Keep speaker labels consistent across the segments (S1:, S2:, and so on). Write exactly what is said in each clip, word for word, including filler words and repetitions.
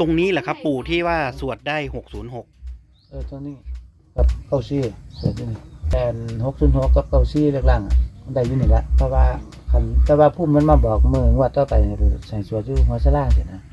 S1: ตรงนี้แหละครับปู่ที่ว่าสวดได้หกศูนย์หก
S2: เออตรงนี้กับเก้าซี่เสร็จนี่แต่หกศูนย์หกกับเก้าซี่เล็กล่างมันได้อยู่นี่ละเพราะว่าคันแต่ว่าพุ่มมันมาบอกมือว่าต่อไปใส่สวดอยู่หัวสลาเสร็จนะ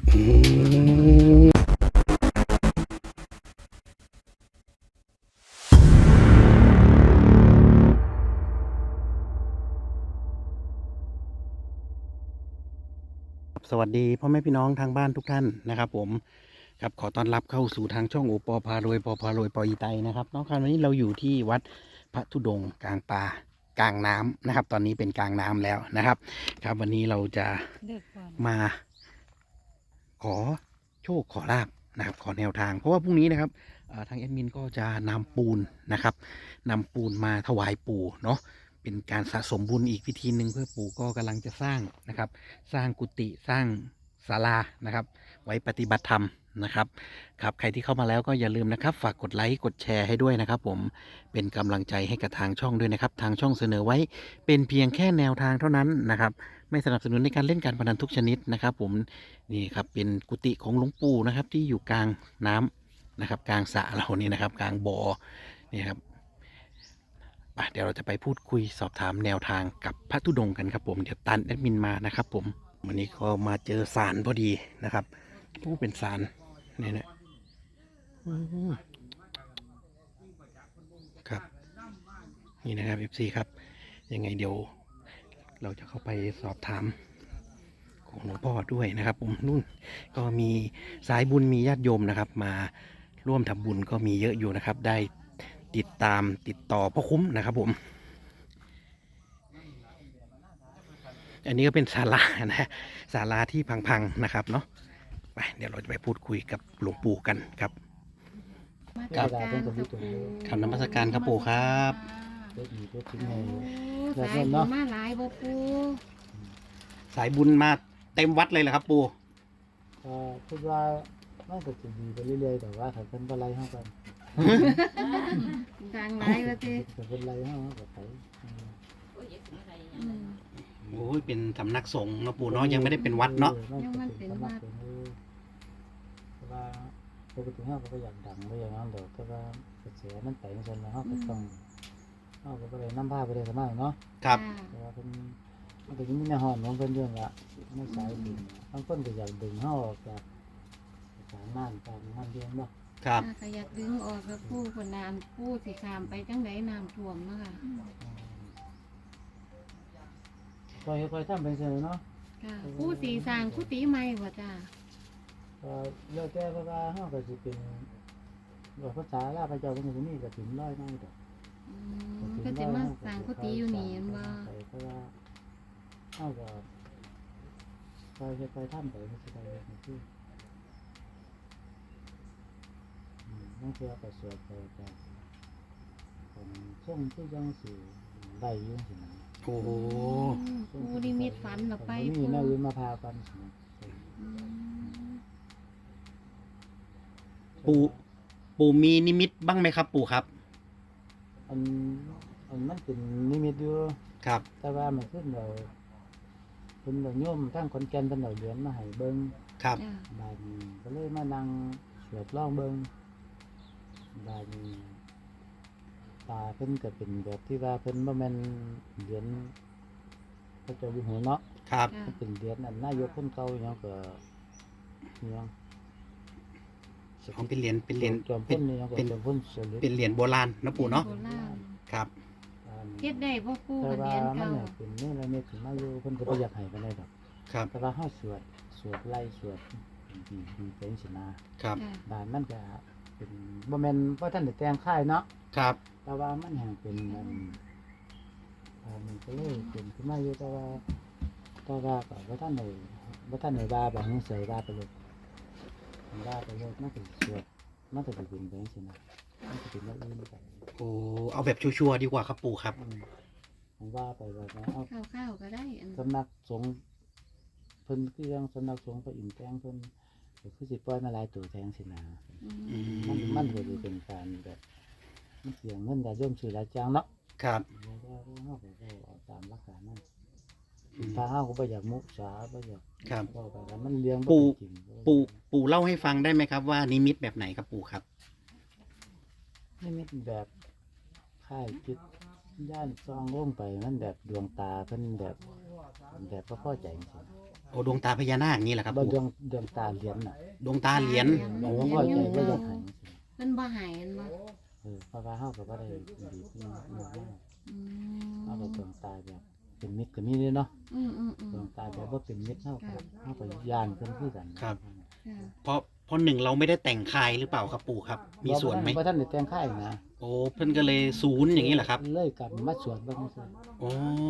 S1: สวัสดีพ่อแม่พี่น้องทางบ้านทุกท่านนะครับผมครับขอต้อนรับเข้าสู่ทางช่องโอปอพารวยปอพารวยปออีไตนะครับน้องครับวันนี้เราอยู่ที่วัดพระธุดงค์กลางป่ากลางน้ำนะครับตอนนี้เป็นกลางน้ำแล้วนะครับครับวันนี้เราจะมาขอโชคขอลาบนะครับขอแนวทางเพราะว่าพรุ่งนี้นะครับทางแอดมินก็จะนำปูนนะครับนำปูนมาถวายปู่เนาะเป็นการสะสมบุญอีกวิธีหนึ่งเพื่อปู่ก็กำลังจะสร้างนะครับสร้างกุฏิสร้างศาลานะครับไว้ปฏิบัติธรรมนะครับครับใครที่เข้ามาแล้วก็อย่าลืมนะครับฝากกดไลค์กดแชร์ให้ด้วยนะครับผมเป็นกำลังใจให้กับทางช่องด้วยนะครับทางช่องเสนอไว้เป็นเพียงแค่แนวทางเท่านั้นนะครับไม่สนับสนุนในการเล่นการพนันทุกชนิดนะครับผมนี่ครับเป็นกุฏิของหลวงปู่นะครับที่อยู่กลางน้ำนะครับกลางสระเรานี่นะครับกลางบ่อนี่ครับเดี๋ยวเราจะไปพูดคุยสอบถามแนวทางกับพระธุดงค์กันครับผมเดี๋ยวตันแอดมินมานะครับผมวันนี้ก็มาเจอศาลพอดีนะครับผู้เป็นศาลนี่นะครับนี่นะครับ เอฟ ซี ครับยังไงเดี๋ยวเราจะเข้าไปสอบถามของหลวงพ่อด้วยนะครับผมนู่นก็มีสายบุญมีญาติโยมนะครับมาร่วมทำบุญก็มีเยอะอยู่นะครับได้ติดตามติดต่อพ่อคุ้มนะครับผมอันนี้ก็เป็นศาลานะศาลาที่พังๆนะครับเนาะไปเดี๋ยวเราจะไปพูดคุยกับหลวงปู่กันครับครับคำนมัสการครับปู่ครับ
S3: สายบุญมาหลายบ่ปู่
S1: สายบุญมาเต็มวัดเลยเหรอครับปู่
S2: ก็คิดว่าน่าจะดีไปเรื่อยๆแต่ว่าถ้าเป็นอะไรห้องกัน
S3: ดังหลายว่าติ
S2: ถ้าเป็นอะไรห้องก็ไป
S1: โอ้ยเป็นสำนักสงฆ์นะปู่เนาะยังไม่ได้เป็นวัดเนาะ
S3: ยังมันเป็นวัด
S2: เพราะว่าปกติห้องก็อยากดังไม่อย่างนั้นเดี๋ยวแต่ว่ากระแสมันไปไม่ใช่แล้วห้องก็ต้องห้องก็ไปน้ำผ้าไปเลยสมัยเนาะ
S1: ครับ
S2: แต่ว่าเป็นมันก็ยังมีในห้องน้องเป็นเรื่องละไม่สายดึงบางคนก็อยากดึงห้องออกจากสารน้ำการน้ำเลี้ยงเนาะ
S1: ครับ
S3: ก็อยากดึงออกแล้วปู่คนน้ำปู่สิข้ามไปจังไดน้ำท่วมเนาะค่ะ
S2: คอยคอยทำเป็นเสร็จเนาะ
S3: ปู่สีสร้างกุฏิใหม่ว่าจ้า
S2: ก็เลิกแก้เพราะว่าห้องก็จะเป็นว่าภาษาลาพระเจ้าเป็นคนนี้ก็ถึงร้อยไม่ดอก
S3: ก็จะมาสร้างกุฏิอยู่นี่อันว่า
S2: เพราะว่าห้องก็คอยคอยทำไปไม่ใช่ไปไม่ใช่นั่นคือประสวดไปจากของช่วงที่ยังสื่อได้ยุ่งสินะ
S1: โอ้โห
S3: ปู่นิมิตฝันหรอไป
S2: นี่น่าวิมาพากัน
S1: ปู่ปู่มีนิมิตบ้างไหมครับปู่ครับ
S2: อันอันมันเป็นนิมิตอยู่
S1: ครับ
S2: แต่ว่ามันขึ้นเราเป็นเราโยมตั้งคนแก่นเป็นเราเหรียญมาให้เบิ้ง
S1: ครับ
S2: บาดนี้ก็เลยมานั่งสวดร้องเบิ้งบาดนี้ตาเพิ่นก็เป็นแบบที่ว่าเพิ่นบ่แม่นเหรียญพระเจ้าอยู่หัวเนาะ
S1: ครับ
S2: เป็นเหรียญอันนายกคนเก่าอย่างก็เนี่ย
S1: ของเป็นเหรียญเป็นเหรียญ
S2: เป็นเป็น
S1: เป็นเหรียญโบราณนะปู่เนาะครับ
S3: เฮ็ดได้บ่ปู่กับเหรียญเก่า
S2: เป็นนี่ละเม็ดถึงมาอยู่เพิ่นก็บ่อยากให้ปานใดดอก
S1: ครับ
S2: แต่ว่าเฮาสวดสวดไล่สวดดีดีเป็นสินะครับบ้านมันก็เป็นบ่แม่นบ่ทันได้แต่งค่ายเนาะ
S1: ครับ
S2: แต่ว่ามันแห่งเป็นมันอ่ามันก็เลยเป็นขึ้นมาอยู่แต่ว่าแต่ว่าก็บ่ทันได้บ่ทันได้ว่าแบบนี้เสยว่าไปเลยว่าไปเลยมันก็สวดมันก็เป็นเป็นสินะมันก็เป็นแบบอื่นไป
S1: โอ้เอาแบบชัวร์ๆดีกว่าครับปู่ครับ
S2: ผมว่าไปว่า
S3: เอาข้าวๆก็ได้
S2: สำนักสงฆ์เพิ่นคือยังสำนักสงฆ์ก็อิ่มแจ้งเพิ่นก็คือสิปล่อยมาหลายตัวแทงสินะมันมันก็สิเป็นการแบบมันเสียเงินก็ย่อมซื้อหลายจังเนาะ
S1: ครับ
S2: แล้วก็เฮาก็เอาตามหลักการนั้น
S1: อืม
S2: ถ้าเฮาก็บ่อยากมุสาบ่อยาก
S1: ครับ
S2: เว้าไปแล้วมันเลี้ยง
S1: ปู่
S2: บ่เป็นจริง
S1: ปู่ปู่เล่าให้ฟังได้ไหมครับว่านิมิตแบบไหนครับปู่ครับ
S2: นี่มีแบบค่ายจิตย่านซองลงไปมันแบบดวงตาเพิ่นแบบแบบบ่พอใจจังซี่
S1: โอ้ดวงตาพญานาคอย่างนี้แหละครับ
S2: บ่
S1: ปู่
S2: ดวงดวงตาเหรียญน่ะ
S1: ดวงตาเหรียญ
S2: บ่
S1: โอ้
S2: พอใจบ่อยากให้จังซี่
S3: เพิ่นบ่ใหายอันบ่
S2: เออเพราะว่าเฮาก็บ่ได้ดีขึ้นมาก
S3: อื
S2: เฮาก็
S3: ม
S2: ดวงตาแบบเป็นมิตรก็มีเด้เนาะ
S3: อืมอืมอืม
S2: ดวงตาแบบบ่เป็นมิตรเฮาก็เฮาก็ย่านเพิ่นคือกัน
S3: ค่ะ
S1: เพราะเพราะหนึ่งเราไม่ได้แต่งคายหรือเปล่าครับปู่ครับ มีส่วนไหม
S2: บ่ทันได้แต่งค่ายนะ
S1: โอ้เพิ่นก็เลยศูนย์อย่างนี้แหละครับ
S2: เลยกลับมาสวดเบิ่งซื่อ
S1: โอ้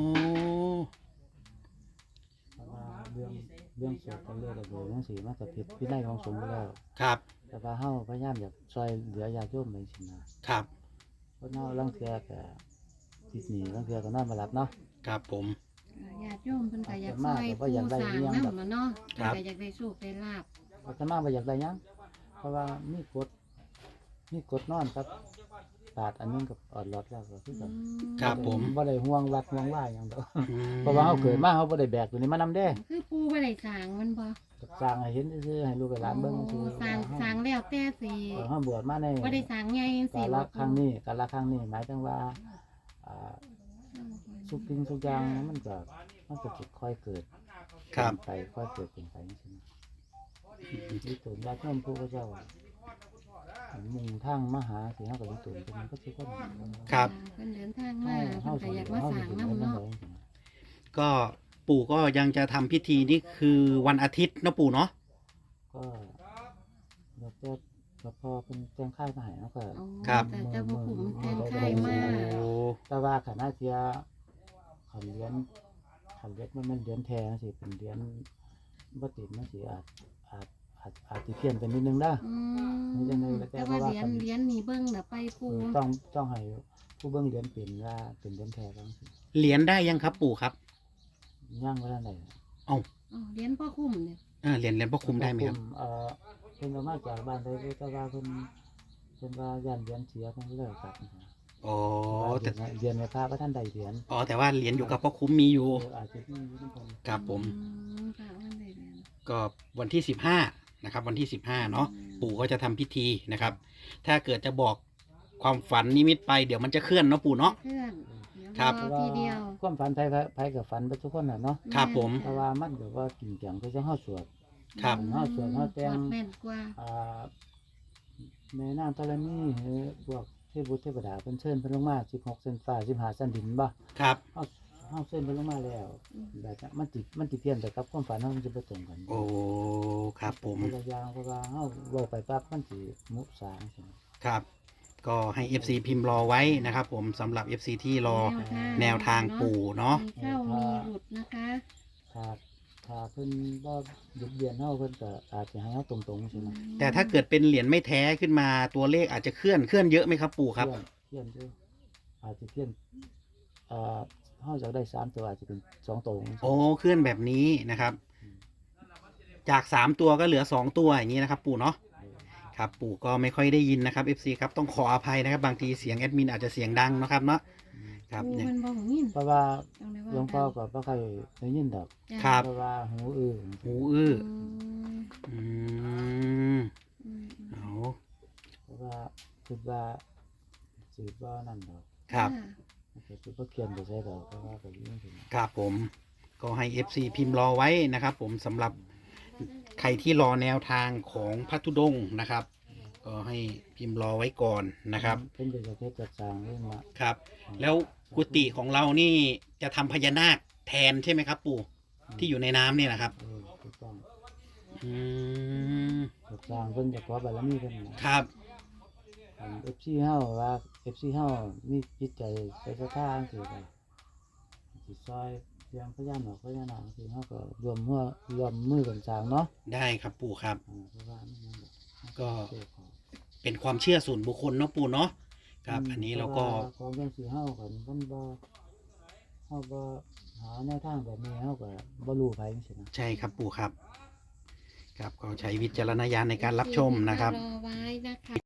S2: เพราะว่าเรื่องเรื่องสวดกันเรื่องระเบิดจังซี่มันก็ผิดวินัยของสงฆ์อยู่แล้ว
S1: ครับ
S2: แต่ว่าเฮาพยายามอยากช่วยเหลือญาติโยมไปสินะครับ เพราะเฮาลางเทื่อก็ติดหนี้ลางเทื่อก็นอนบ่หลับเนาะ
S1: ครับผม
S3: ญาติโยมเพิ่นก็อยาก
S2: มาก
S3: ซอย
S2: ก็บ่
S3: ผู้
S2: อยากได้
S3: สร้าง
S2: อิหยัง
S3: นำ
S2: ดอก
S3: มาเนาะ
S1: ครับ
S3: เพิ่นก็อยากได้โชคได้ลาภ
S2: อาตมาบ่อยากได้หยังเพราะว่ามีกฎมีกฎนอนครับบาทอันนึงกับออดรอดแล้วก็คือ
S3: อื
S2: กัน
S3: ม
S1: ครับผม
S2: บ่ได้ห่วงวัดห่วงว่าหยังดอก
S1: อืม
S2: เพราะว่าเฮาเกิดมาเฮาบ่ได้แบกตัวนี้มานำเด้
S3: คือปู่บ่ได้สร้างมันบ่
S2: ก็สร้างให้เห็นซื่อๆให้ลูกให้หลานเบิ่งซื่อ
S3: โอ้สร้างสร้างแล้วแต่สิ
S2: เออเฮาบวชมาใน
S3: บ่ได้สร้างใหญ่จัง
S2: กา
S3: ซี่
S2: ล
S3: บ่
S2: ครั้งนี้กาลครั้งนี้หมายถึงว่าอ่าทุกสิ่งทุกอย่างมันก็มันก็สิค่อยเกิด
S1: ครับ
S2: ไปค่อยเกิดเป็นไปจังซี่นะมีตุนญาติโยมผู้พระเจ้ามุ่งทางมาหาสิเฮาก็มีตุนเป็นก็สิคน
S1: ครับ
S3: เพิ่นเดินทางมาเพิ่นก็อยากมาสร้างนำเนาะ
S1: ก็ปู่ก็ยังจะทำพิธีนี่คือวันอาทิตย์เนาะปู่เนาะ
S2: ก็แล้วก็แล้วพอเป็นแจ้งค่ายมาให้เนาะก็
S3: อ๋อ
S1: ครับ
S3: แต่เจ้าพ่อขุมแทนค่ายมา
S1: โอ้
S2: แต่ว่าขณะที่ขันเลี้ยนขันเลี้ยนมันมันเลี้ยนแท้จังซี่เป็นเลี้ยนบ่ติดมันสิอาจอาจอาจอาจสิเพี้ยนไปนิดนึงนะ
S3: อืม
S2: มันจะในแต่
S3: แต่
S2: ว่า
S3: ว่า
S2: ว่า
S3: เหรีย
S2: กั
S3: ญ
S2: น
S3: เหรียญนี่เบิ่งน่ะไปปู
S2: ต้องต้องให้ผู้เบิ่งเลี้ยนเป็นว่าเป็นเลี้ยนแท้จังซี่
S1: เหรียญได้ยังครับปู่ครับ
S2: ย่างบ่ทันได้
S3: อ๋อเหรียญพ่อคุ้มเนี่ย
S1: เออเหรียญเหรียญพ่อคุมได้ไหมครับ
S2: เอ่อเพิ่นเอามาจากบ้านไดแต่ว่าเพิ่นเพิ่นว่าย่านเลี้ยนเสียเพิ่นเลยครับ
S1: อ๋อ
S2: แต่
S1: แต่
S2: เรียนในพระบ่ทันได้เหรียญ
S1: อ๋อแต่ว่าเหรียญอยู่กับพ่อคุ้มมีอยู่
S2: เอออาจจะมีอยู่นำเพิ่น
S1: ครับผม
S3: อืมค่ะมันได้เหรียญ
S1: ก็วันที่สิบห้านะครับ วันที่สิบห้าเนาะปู่ก็จะทำพิธีนะครับ ถ้าเกิดจะบอกความฝันนิมิตไปเดี๋ยวมันจะเคลื่อนเนาะปู่เนาะ
S3: เพื่อนเดี๋ยว
S1: ครับ
S3: รอทีเดียว
S2: ความฝันไผไผกับฝันไปทุกคนน่ะเนาะ
S1: ครับผม
S2: แต่ว่ามันก็ว่ากินจังก็จะเฮาสวด
S1: ครับ
S2: เฮาสวดเฮาแต่ง
S3: สวดแม่นกว่า
S2: อ่าแม่นางธรณีหรือพวกเทพบุตรเทพดาเพิ่นเชิญเพิ่นลงมาสิบหกเส้นฟ้าสิบห้าเส้นดินบ่
S1: ครับ
S2: เฮาเฮาเชิญเพิ่นลงมาแล้วแบบนั้นมันติมันติเพี้ยนไปกับความฝันเฮามันสิบ่ตรงกัน
S1: โอ้ครับผม
S2: คนละอย่างเพราะว่าเฮาเว้าไปปั๊บมันสิมุสาจังซี่
S1: ครับ ก็ให้ เอฟ ซี พิมพ์รอไว้นะครับ ผมสำหรับ เอฟ ซี ที่รอแนวทางปู่เนาะ
S3: มีเข้ามีหลุดนะคะ
S2: ถ้าถ้าเพิ่นบ่หยุดเบียนเฮาเพิ่นก็อาจจะให้เฮาตรงๆใช่ไหม
S1: แต่ถ้าเกิดเป็นเหรียญไม่แท้ขึ้นมาตัวเลขอาจจะเคลื่อนเคลื่อนเยอะไหมครับปู่ครับ
S2: เพี้ยนเพี้ยนอยู่อาจจะเพี้ยนเอ่อเฮาอยากได้สามตัวอาจจะเป็นสองตัวจังซี่
S1: โอ้เคลื่อนแบบนี้นะครับ จากสามตัวก็เหลือสองตัวอย่างนี้นะครับ ปู่เนาะครับปู่ก็ไม่ค่อยได้ยินนะครับ เอฟ ซี ครับต้องขออภัยนะครับ บางทีเสียงแอดมินอาจจะเสียงดังนะครับเนาะครับ
S3: ปู
S1: เนี่ย
S3: มันบ่หูยิน
S2: เพราะว่า
S3: ต้องได้ว่า
S2: หลวงพ่อก็บ่ค่อยได้ยินดอก
S3: จ้ะ
S1: ครับ
S2: เพราะว่าหูอื้อ
S1: หูอื้อ
S3: อืม
S1: อืม
S3: อืม
S1: เอา
S2: เพราะว่าคิดว่าสิบ่นั่นดอก
S1: ครับ
S2: ก็สิบ่เขียนไปใส่ดอกเพราะว่าก็ยินถึง
S1: ครับผมก็ให้ เอฟ ซี พิมพ์รอไว้นะครับ ผมสำหรับใครที่รอแนวทางของพัทธุดงค์นะครับ ก็ให้พิมพ์รอไว้ก่อนนะครับ
S2: เพิ่นก็จะเฮ็ดจัดสร้างเรื่องละ
S1: ครับ แล้วกุฏิของเรานี่จะทำพญานาคแทนใช่ไหมครับ ปู่ที่อยู่ในน้ำเนี่ยนะครับ
S2: เออถูกต้อง
S1: อืม
S2: จัดสร้างเพิ่นจะขอบารมีเพิ่นนะครับ อัน เอฟ ซี เฮาว่า เอฟ ซี เฮามีจิตใจใส่ศรัทธาจังซี่ก็สิซอยเรื่องพญานาคพญานาคที่เฮาก็รวมหัวรวมมือกันสร้างเนาะ
S1: ได้ครับปู่ครับ
S2: อ่าเพราะว่ามันนั่นแหละ
S1: ก็
S2: เจ้าของ
S1: เป็นความเชื่อส่วนบุคคลเนาะปู่เนาะครับ อันนี้เราก็
S2: พะว่ของจังซี่เฮาก็มันบ่เฮาบ่หาแนวทางแบบนี้เฮาก็บ่รู้ไผจังซี่นะ
S1: ใช่ครับปู่ครับ ครับก็ใช้วิจารณญาณในการรับชมนะครับ
S3: รอไว้นะคะ